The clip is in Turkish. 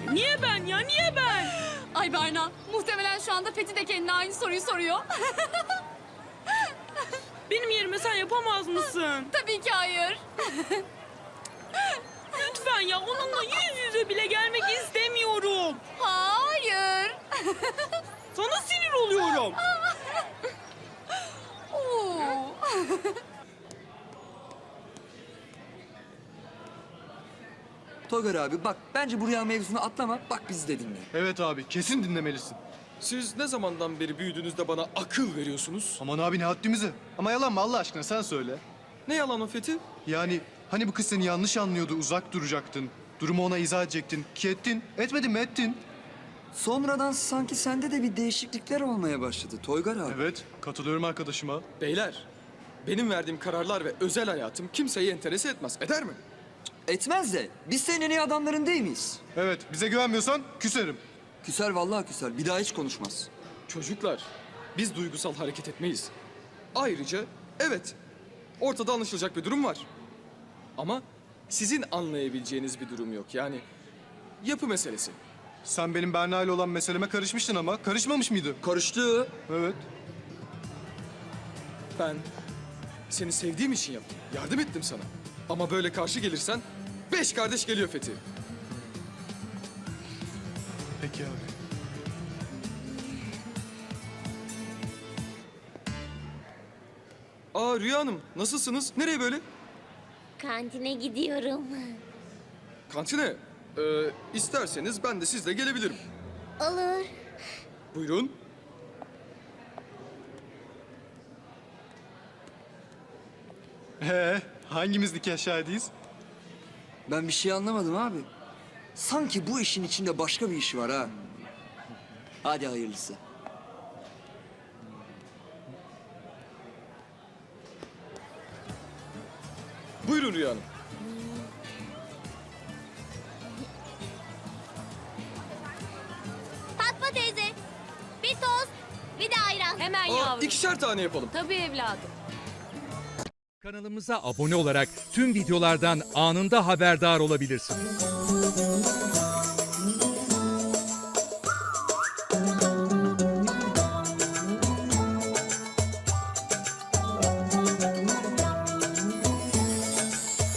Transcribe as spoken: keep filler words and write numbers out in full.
Niye ben ya? Niye ben? Ay Berna, muhtemelen şu anda Fethi de kendine aynı soruyu soruyor. Benim yerime sen yapamaz mısın? Tabii ki hayır. Lütfen ya, onunla yüz yüze bile gelmek istemiyorum. Hayır. Sana sinir oluyorum. Oo. Togar abi bak bence bu rüya mevzusunu atlama. Bak bizi de dinle. Evet abi, kesin dinlemelisin. Siz ne zamandan beri büyüdüğünüzde bana akıl veriyorsunuz? Aman abi ne haddimize. Ama yalan mı Allah aşkına sen söyle. Ne yalan o Fethi? Yani hani bu kız seni yanlış anlıyordu, uzak duracaktın. Durumu ona izah edecektin. Ki ettin. Etmedin mi ettin. Sonradan sanki sende de bir değişiklikler olmaya başladı Toygar abi. Evet, katılıyorum arkadaşıma. Beyler, benim verdiğim kararlar ve özel hayatım kimseyi enterese etmez. Eder mi? Etmez de biz senin en iyi adamların değil miyiz? Evet, bize güvenmiyorsan küserim. Küser vallahi küser. Bir daha hiç konuşmaz. Çocuklar, biz duygusal hareket etmeyiz. Ayrıca evet, ortada anlaşılacak bir durum var. Ama sizin anlayabileceğiniz bir durum yok. Yani yapı meselesi. Sen benim Berna ile olan meseleme karışmıştın ama karışmamış mıydı? Karıştı. Evet. Ben seni sevdiğim için yaptım. Yardım ettim sana. Ama böyle karşı gelirsen beş kardeş geliyor Fethi. Peki abi. Aa Rüya Hanım, nasılsınız? Nereye böyle? Kantine gidiyorum. Kantine. Ee, isterseniz ben de sizle gelebilirim. Olur. Buyurun. Ee, hangimiz nikah şahidiyiz? Ben bir şey anlamadım abi. Sanki bu işin içinde başka bir iş var ha. Hadi hayırlısı. Buyurun Rüya Hanım. Fatma teyze. Bir tost, bir de ayran. Hemen Aa, yavrum. ikişer tane yapalım. Tabii evladım. Kanalımıza abone olarak tüm videolardan anında haberdar olabilirsiniz.